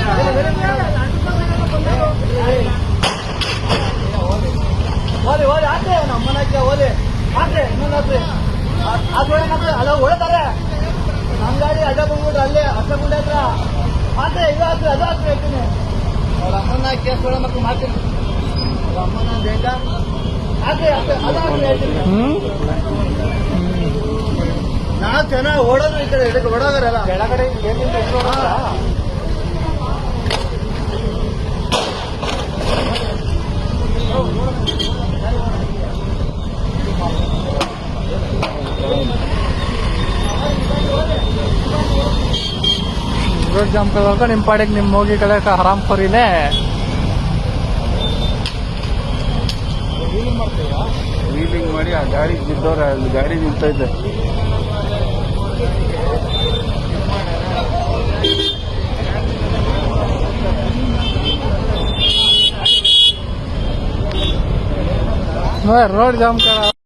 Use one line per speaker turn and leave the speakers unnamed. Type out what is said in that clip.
ಓಲಿ ಓಲಿ ಆದ್ರೆ ನಮ್ಮನಕ್ಕೆ ಓಲಿ ಆದ್ರೆ ಇನ್ನೊಂದು ಆದ್ರೆ ಅಲ್ಲ ಹೊಳ್ತಾರೆ ನಮ್ಮ ಗಾಡಿ ಅಡ್ಡ ಬಂದ್ಬಿಟ್ರೆ ಅಲ್ಲೇ ಅಷ್ಟಗುಂಡೆ ಹತ್ರ ಆದ್ರೆ ಇದು ಹಾಕ್ರಿ ಅದು ಹಾಕ್ರಿ ಹೇಳ್ತೀನಿ ಅವ್ರ ಅಮ್ಮನ ಕೇಸ್ ಒಳ ಮಕ್ಕಳು ಮಾಡ್ತೀನಿ ಅವ್ರ ಅಮ್ಮನ ಬೇಗ ಆದ್ರೆ ಅದು ಹಾಕ್ರಿ ಹೇಳ್ತೀನಿ ನಾಲ್ಕು ಜನ ಓಡೋದು ಈ ಕಡೆ ಇದಕ್ಕೆ ಓಡೋದ್ರಲ್ಲ ಕೆಳಗಡೆ ರೋಡ್ ಜಾಮ್ ಕಳ್ಕ ನಿಮ್ಮ ಪಾಡಿಗೆ ನಿಮ್ಮ ಹೋಗಿ ಕಡೆ ಹರಾಮ್ ಖೋರಿನೇ
ವೀಲಿಂಗ್ ಮಾಡಿ ಆ ಗಾಡಿ ಬಿದ್ದವ್ರೆ ಅಲ್ಲಿ ಗಾಡಿ ನಿಂತೈತೆ
रोड जाम करा